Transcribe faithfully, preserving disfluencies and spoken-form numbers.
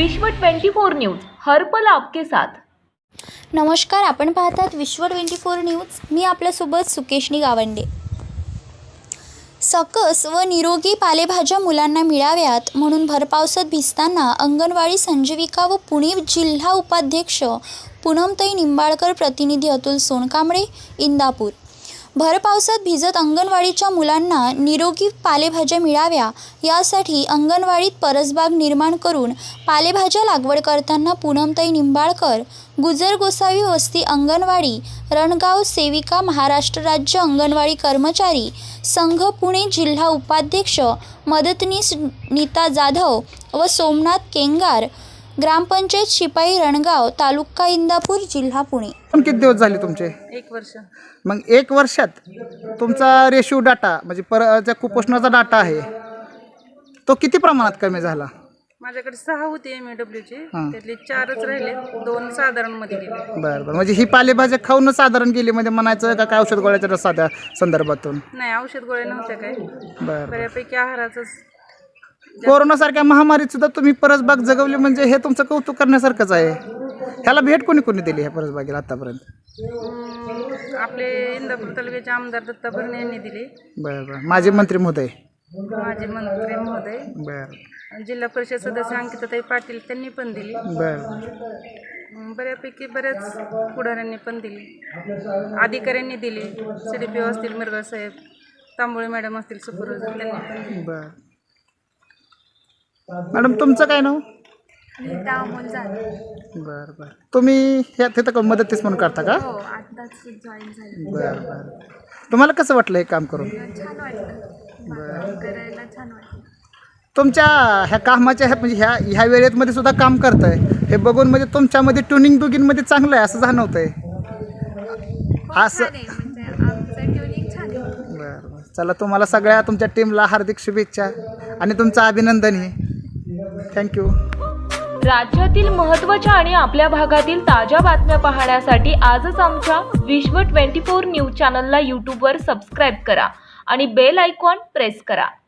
विश्व twenty four news, हर पल आपके साथ। नमस्कार, आपण पाहतात विश्व ट्वेंटी फोर न्यूज। मी आपल्यासोबत सुकेशनी गावंडे। सकस व निरोगी पालेभाज्या मुलांना मिळाव्यात म्हणून भरपावसात भिजताना अंगणवाडी संजीविका व पुणे जिल्हा उपाध्यक्ष पूनमताई निंबाळकर, प्रतिनिधी अतुल सोनकांबळे, इंदापूर। भरपावसात भिजत अंगणवाडीच्या मुलांना निरोगी पालेभाज्या मिळाव्या यासाठी अंगणवाडीत परसबाग निर्माण करून पालेभाज्या लागवड करताना पूनमताई निंबाळकर, गुजर गोसावी वस्ती अंगणवाडी, रणगाव सेविका, महाराष्ट्र राज्य अंगणवाडी कर्मचारी संघ पुणे जिल्हा उपाध्यक्ष मदतनीस नीता जाधव व सोमनाथ केंगार, ग्रामपंचायत शिपाई, रणगाव, तालुका इंदापूर, जिल्हा पुणे। किती दिवस झाले तुमचे? एक वर्ष। मग एक वर्षात तुमचा रेशो डाटा म्हणजे पर ज्या कुपोषणाचा डाटा आहे तो किती प्रमाणात कमी झाला? माझ्याकडे सहा होते एम ए डब्ल्यूचे, त्यातले चारच राहिले, दोन साधारण मध्ये गेले। बरं बरं, म्हणजे ही पालेभाज्या खाऊन साधारण गेली म्हणजे म्हणायचं का काय औषध गोळ्याच्या साध्या संदर्भातून? नाही, औषध गोळ्या नव्हत्या काय, बरं, बऱ्यापैकी आहाराचंच। कोरोनासारख्या महामारीत सुद्धा तुम्ही परसबाग जगवली म्हणजे हे तुमचं कौतुक करण्यासारखंच आहे। ह्याला भेट कोणी कोणी दिली ह्या परसबागेला आतापर्यंत? आपले इंदापूर तालुक्याचे आमदार दत्ता भरणे यांनी दिले। बरं बरं, माजी मंत्री महोदय, माजी मंत्री महोदय, बरं, जिल्हा परिषद सदस्य अंकिताताई पाटील त्यांनी पण दिली। बरं, बऱ्यापैकी बऱ्याच पुढाऱ्यांनी पण दिली, अधिकाऱ्यांनी दिली, सी डी पी ओ असतील मिरगा साहेब, तांबोळे मॅडम असतील, सुपरवायझर, त्यांनी पण दिली। बरं मॅडम, तुमचं काय नाव? नीता अमोल जाधव। बरं बरं, तुम्ही ह्या तिथं का मदतीस म्हणून करता का? हो, आताच जॉईन झाली। बरं बरं, तुम्हाला कसं वाटलं हे काम करून? छान वाटतं, बरं, करायला छान वाटतं। तुमच्या ह्या कामाच्या ह्या म्हणजे ह्या ह्या वेळेतमध्ये सुद्धा काम करताय हे बघून म्हणजे तुमच्यामध्ये ट्युनिंग दुगिनमध्ये चांगलं आहे असं जाणवतंय असं? म्हणजे आमचं ट्युनिंग छान आहे। बरं बरं, चला, तुम्हाला सगळ्या तुमच्या टीमला हार्दिक शुभेच्छा आणि तुमचं अभिनंदन आहे। थँक्यू। राज्यातील महत्त्वाच्या आणि आपल्या भागातील ताज्या बातम्या पाहण्यासाठी आजच आमच्या विश्व ट्वेंटी फोर न्यूज चॅनलला यूट्यूबवर सबस्क्राईब करा आणि बेल आयकॉन प्रेस करा।